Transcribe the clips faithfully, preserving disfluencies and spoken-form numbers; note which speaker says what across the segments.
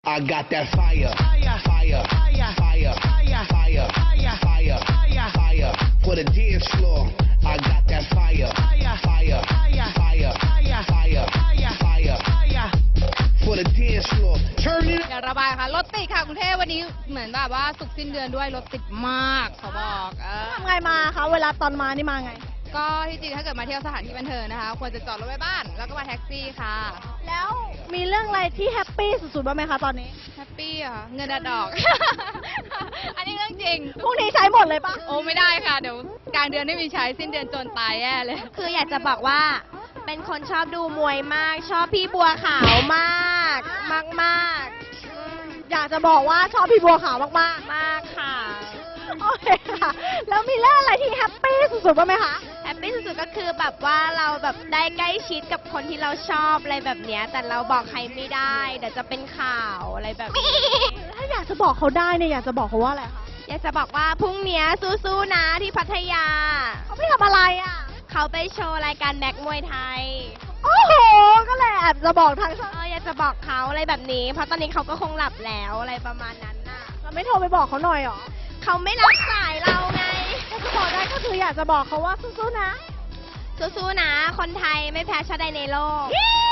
Speaker 1: I got that fire, fire, fire, fire, fire, fire, fire, fire, fire for the dance floor. I got that fire, fire, fire, fire, fire, fire, fire for the dance floor. Turn it.
Speaker 2: อย่าระบายค่ะรถติดค่ะกรุงเทพวันนี้เหมือนแบบว่าสุกสิ้นเดือนด้วยรถติดมากเขาบอกเออ
Speaker 3: ทำไงมาคะเวลาตอนมานี่มาไง
Speaker 2: ก็ที่จริงถ้าเกิดมาเที่ยวสถานที่บันเทิงนะคะควรจะจอดรถไว้บ้านแล้วก็มาแท็กซี่ค่ะ
Speaker 3: แล้วมีเรื่องอะไรที่แฮปปี้สุดๆบ้างไหมคะตอนนี้
Speaker 2: แฮปปี้อ่ะเงินดอก อันนี้เรื่องจริง
Speaker 3: พรุ่งนี้ใช้หมดเลยปะ
Speaker 2: โอ้ไม่ได้ค่ะเดี๋ยวกลางเดือนไม่มีใช้สิ้นเดือนจนตายแย่เลย
Speaker 4: คืออยากจะบอกว่าเป็นคนชอบดูมวยมาก ชอบพี่บัวขาวมาก มากมาก
Speaker 3: อยากจะบอกว่าชอบพี่บัวขาวมาก
Speaker 4: มากค่ะ
Speaker 3: ๆโอเคค่ะ แล้วมีเรื่องอะไรที่แฮปปี้สุดๆบ้างไหมคะ
Speaker 4: แฮปปี้สุดๆก็คือแบบว่าเราแบบได้ใกล้ชิดกับคนที่เราชอบอะไรแบบเนี้ยแต่เราบอกใครไม่ได้เดี๋ยวจะเป็นข่าวอะไรแบบนี้
Speaker 3: ถ้าอยากจะบอกเขาได้เนี่ยอยากจะบอกเขาว่าอะไรคะ
Speaker 4: อยากจะบอกว่าพรุ่งเนี้ยสู้ๆนะที่พัทยา
Speaker 3: เขาไม่ทำอะไรอ่ะ
Speaker 4: เขาไปโชว์รายการแม็กมวยไทย
Speaker 3: โอ้โห ก็เลยแอบจะบอกทางช่อง
Speaker 4: เอออยากจะบอกเขาอะไรแบบนี้ เพราะตอนนี้เขาก็คงหลับแล้วอะไรประมาณนั้นน่ะ
Speaker 3: เราไม่โทรไปบอกเขาหน่อยเหรอ
Speaker 4: เขาไม่รับสายเราไง
Speaker 3: ถ้าจะบอกได้ก็คืออยากจะบอกเขาว่าสู้ๆนะ
Speaker 4: สู้ๆนะ คนไทยไม่แพ้ชาติใดในโลก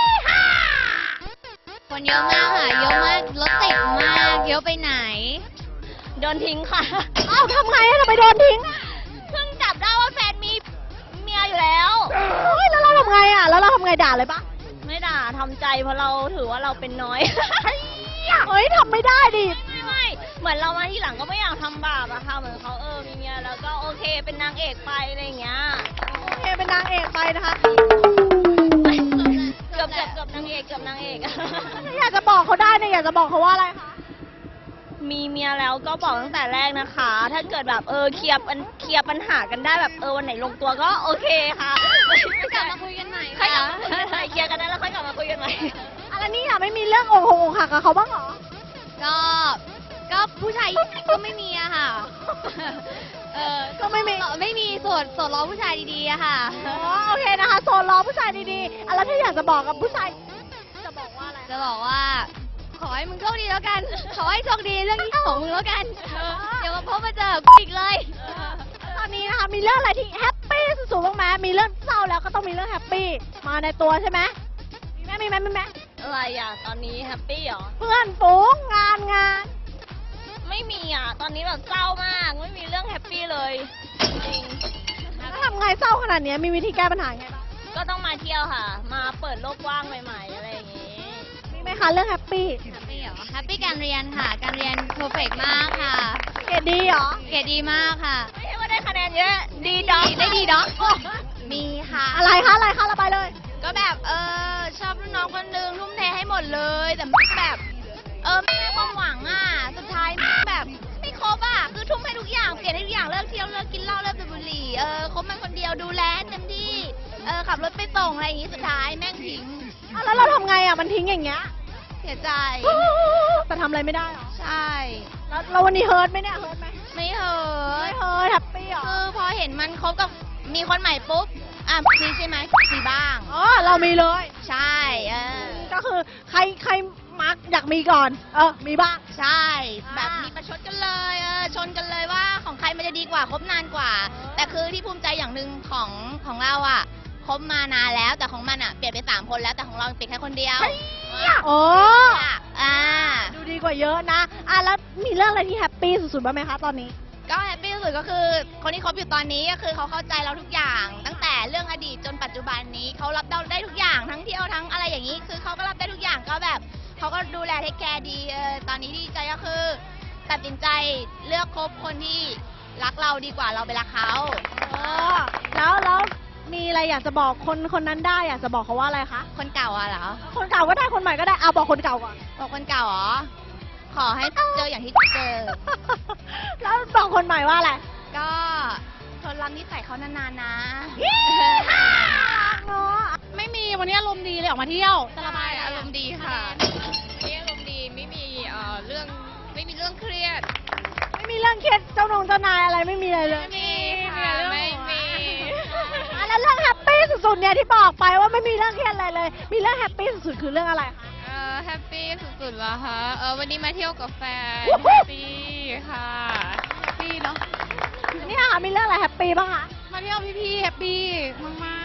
Speaker 2: คนเยอะมากค่ะเยอะมากรถติดมากเยอะไปไหน
Speaker 4: โดนทิ้งค่ะ
Speaker 3: อ้าวทำไงอะทำไมโดนทิ้งอะ
Speaker 4: เพิ่งจับได้ว่าแฟนมีเมียอยู่แล้ว
Speaker 3: เฮ้ยแล้วเราทำไงอ่ะ แล้วเราทำไงด่าเลยปะ
Speaker 4: ไม่ด่าทำใจเพราะเราถือว่าเราเป็นน้อย
Speaker 3: เฮ้ยทำไม่ได้ดิ
Speaker 4: ไม่ไม่เหมือนเรามาที่หลังก็ไม่อยากทำบาปอะค่ะเหมือนเขาเออมีเมียแล้วก็โอเคเป็นนางเอกไปอะไรอย่างเงี้ย
Speaker 3: โอเคเป็นนางเอกไปนะคะ
Speaker 4: เกือบเกือบเกือบนางเอกเกือบนางเอก
Speaker 3: ถ้าอยากจะบอกเขาได้เนี่ยอยากจะบอกเขาว่าอะไรคะ
Speaker 4: มีเมียแล้วก็บอกตั้งแต่แรกนะคะ ถ้าเกิดแบบเออเคลียร์ปัญเคลียร์ปัญหากันได้แบบเออวันไหนลงตัวก็โอเคค่ะ
Speaker 2: กลับมาคุยกันใหม่
Speaker 4: ค่อยกลั
Speaker 2: ค่ะ
Speaker 4: บมาคุยกันใหม่เคลียร์กันได้แล้วค่อยกลับมาคุยกันใหม่
Speaker 3: อะไรนี่อ่ะไม่มีเรื่องอกหงอกหักกับเขาบ้างเหรอ
Speaker 2: ก็ก็ผู้ชายก็ไม่มีอะค่ะ เออ
Speaker 3: ก็ไม่มี
Speaker 2: ไม่มีโสดโสดรอผู้ชายดีๆอะค่ะ
Speaker 3: อ๋อโอเคนะคะโซนรอผู้ชายดีๆอ่ะแล้วถ้าอยากจะบอกกับผู้ชายจะบอกว่าอะไร
Speaker 2: จะบอกว่า ขอให้มึงโชคดีแล้วกัน ขอให้โชคดีเรื่องนี้ของมึงแล้วกันเออเดี๋ยวมาพบมาเจอกูอีกเลย
Speaker 3: ตอนนี้นะคะมีเรื่องอะไรที่แฮปปี้สุดๆบ้างไหมมีเรื่องเศร้าแล้วก็ต้องมีเรื่องแฮปปี้มาในตัวใช่ไหมมีไหมมีไหมมีไหม
Speaker 4: อะไรอ่ะตอนนี้แฮปปี้เหรอ
Speaker 3: เพื่อนฝูงงานงาน
Speaker 4: ไม่มีอ่ะ ตอนนี้แบบเศร้ามาก ไม่มีเรื่องแฮปปี้เลย จริง
Speaker 3: แล้วทำไงเศร้าขนาดเนี้ยมีวิธีแก้ปัญหาไงบ้าง
Speaker 4: ก็ต้องมาเที่ยวค่ะ มาเปิดโลกกว้างใหม่ๆ อะไรอย่างงี้
Speaker 3: มีไหมคะเรื่องแฮปปี้
Speaker 2: แฮปปี้เหรอแฮปปี้การเรียนค่ะ การเรียนเพอร์เฟกมากค่ะ
Speaker 3: เกรดดีเหรอ
Speaker 2: เกรดดีมากค่ะ
Speaker 4: ไม่ใช่ว่าได้คะแนนเยอะ ดีด็อก
Speaker 2: ได้ดีด็อกมีค่ะ
Speaker 3: อะไรคะอะไรคะระบายเลย
Speaker 2: ก็แบบเออชอบรุ่นน้องคนนึงทุ่มเทให้หมดเลย แต่แบบ เออไม่ได้ความหวังอ่ะ สุดท้ายแบบไม่ครบอ่ะ คือทุ่มให้ทุกอย่าง เปลี่ยนให้ทุกอย่าง เลิกเที่ยว เลิกกินเหล้า เลิกสูบบุหรี่ เออคบมันคนเดียวดูแลให้เต็มที่ เออขับรถไปส่งอะไรอย่างงี้ สุดท้ายแม่งทิ้ง
Speaker 3: อ่ะแล้วเราทำไงอ่ะมันทิ้งอย่างเงี้ย
Speaker 2: เสียใจ
Speaker 3: แต่ทำอะไรไม่ได้เหรอ
Speaker 2: ใช่
Speaker 3: แล้วเราวันนี้เฮิร์ตไหมเนี่ยเฮิร์ตไหม
Speaker 2: ไม่เหอะ
Speaker 3: ไม่เฮิร์ตแฮปปี้เหรอ
Speaker 2: คือพอเห็นมันคบกับมีคนใหม่ปุ๊บ อ่ะมีใช่ไหมมีบ้าง
Speaker 3: อ๋อเรามีเลย
Speaker 2: ใช่ เออ
Speaker 3: ก็คือใครใครมักอยากมีก่อน เออมีบ้าง
Speaker 2: ใช่ แบบ
Speaker 3: อ่ามี
Speaker 2: มีประชดกันเลยเออชนกันเลยว่าของใครมันจะดีกว่าคบนานกว่า แต่คือที่ภูมิใจอย่างหนึ่งของของเราอ่ะคบมานานแล้วแต่ของมันอ่ะเปลี่ยนไปสามคนแล้วแต่ของเราติดแค่คนเดียว
Speaker 3: โอ้
Speaker 2: อ่ะอ่า
Speaker 3: ดูดีกว่าเยอะนะ อ่ะแล้วมีเรื่องอะไรที่แฮปปี้สุดๆบ้างไหมคะตอนนี้
Speaker 2: ก็แฮปปี้ที่สุดก็คือคนที่คบอยู่ตอนนี้ก็คือเขาเข้าใจเราทุกอย่าง ตั้งแต่เรื่องอดีตจนปัจจุบันนี้เขารับเราได้ทุกอย่างทั้งเที่ยวทั้งอะไรอย่างนี้ คือเขาก็รับได้ทุกอย่างก็แบบเขาก็ดูแลเทคแคร์ดีเออตอนนี้ดีใจก็คือ ตัดสินใจเลือกคบคนที่รักเราดีกว่าเราไปรักเขา
Speaker 3: อ๋อ แล้วแล้วมีอะไรอยากจะบอกคนคนนั้นได้อยากจะบอกเขาว่าอะไรคะ
Speaker 2: คนเก่าอะเหรอ
Speaker 3: คนเก่าก็ได้คนใหม่ก็ได้เอาบอกคนเก่าก่อน
Speaker 2: บอกคนเก่าเหรอขอให้เจออย่างที่เจอ
Speaker 3: แล้วบอกคนใหม่ว่าอะไร
Speaker 2: ก็ทนรับนิสัยเขานานๆนะ
Speaker 3: เนาะ
Speaker 2: ไม่มีวันนี้อารมณ์ดีเลยออกมาเที่ยวจะระบาย
Speaker 5: อารมณ์ดีค่ะวันนี้อารมณ์ดีไม่มีเอ่อเรื่องไม่มีเรื่องเครียด
Speaker 3: ไม่มีเรื่องเครียดเจ้านงเจ้านายอะไรไม่มีอะไรเลย
Speaker 5: ไม่มีค่ะไม่มี
Speaker 3: อ่ะแล้วเรื่องแฮปปี้สุดๆเนี่ยที่บอกไปว่าไม่มีเรื่องเครียดอะไรเลย มีเรื่องแฮปปี้สุดๆคือเรื่องอะไรคะ
Speaker 5: เอ่อแฮปปี้สุสุดแล้วคะเออวันนี้มาเที่ยวกับแฟน
Speaker 3: วู้
Speaker 5: แฮ
Speaker 3: ฮู้
Speaker 5: ปปี้ค่ะ
Speaker 2: ปีเนาะ
Speaker 3: อันนี้ค่ะมีเรื่องอะไรแฮปปี้บ้างคะ
Speaker 2: มาเที่ยวพี่ๆแฮปปี้มาก